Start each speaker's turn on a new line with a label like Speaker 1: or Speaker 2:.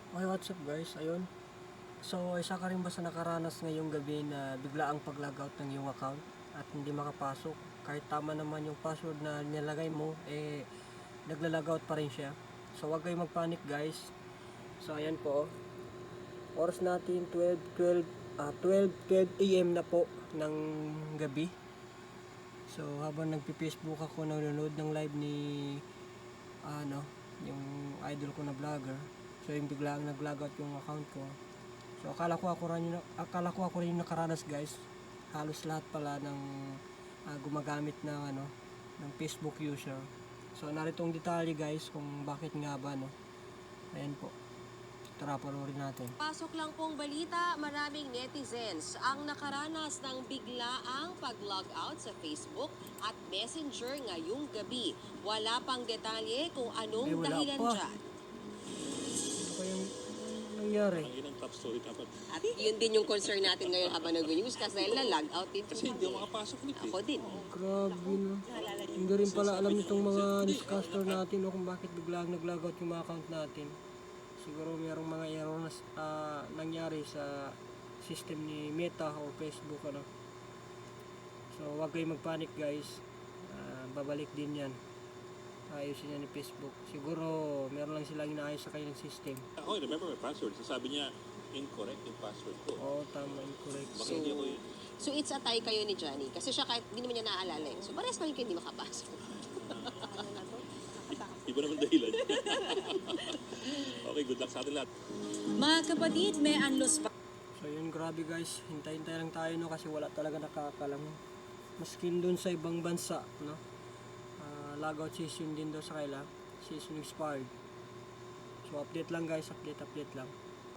Speaker 1: Okay, what's up guys? Ayun. So, isa ka rin ba sa nakaranas ngayong gabi na bigla ang pag-logout ng iyong account at hindi makapasok? Kahit tama naman yung password na nilagay mo, nagla-logout pa rin siya. So, huwag kayong magpanic guys. So, ayan po. Oras natin 12 AM na po ng gabi. So, habang nagpi-Facebook ako, nanonood ng live ni yung idol ko na vlogger. So yung biglang nag-logout yung account ko. So akala ko ako rin yung nakaranas guys. Halos lahat pala ng gumagamit ng Facebook user. So narito ang detalye guys kung bakit nga ba Ayan po. Tara panoorin natin.
Speaker 2: Pasok lang pong balita, maraming netizens ang nakaranas ng biglaang pag-logout sa Facebook at Messenger ngayong gabi. Wala pang detalye kung anong
Speaker 1: wala
Speaker 2: dahilan
Speaker 1: pa.
Speaker 2: dyan.
Speaker 1: Ano kayang nangyari?
Speaker 3: Ang inang top story dapat.
Speaker 2: At yun din yung concern natin ngayon habang nag-news kasi na-logout din.
Speaker 3: Kasi hindi ako makapasok nito.
Speaker 2: Ako din.
Speaker 1: Grabe no. Hindi rin pala alam nitong mga newscaster natin kung bakit biglang nag-logout yung mga account natin. Siguro mayroong mga error na nangyari sa system ni Meta o Facebook So huwag kayong magpanic guys. Babalik din yan. Ayusin yan ni Facebook. Siguro meron lang silang inaayos sa kanilang system.
Speaker 3: Ako, remember my password. Sabi niya, incorrect yung password ko.
Speaker 1: Oo, tama, incorrect.
Speaker 3: Baka hindi ako yun.
Speaker 2: So it's a tie kayo ni Johnny kasi siya kahit hindi naman niya naaalala eh. So parehas pa rin kayo hindi makapasok.
Speaker 3: Iba naman dahilan. Okay, good luck sa atin lahat.
Speaker 4: Mga kapatid, may unlos pa.
Speaker 1: So yun, grabe guys. Hintay-hintay lang tayo kasi wala talaga nakakalam. Maskin dun sa ibang bansa, logout season din daw sa kaila. Season expired. So update lang guys, update lang.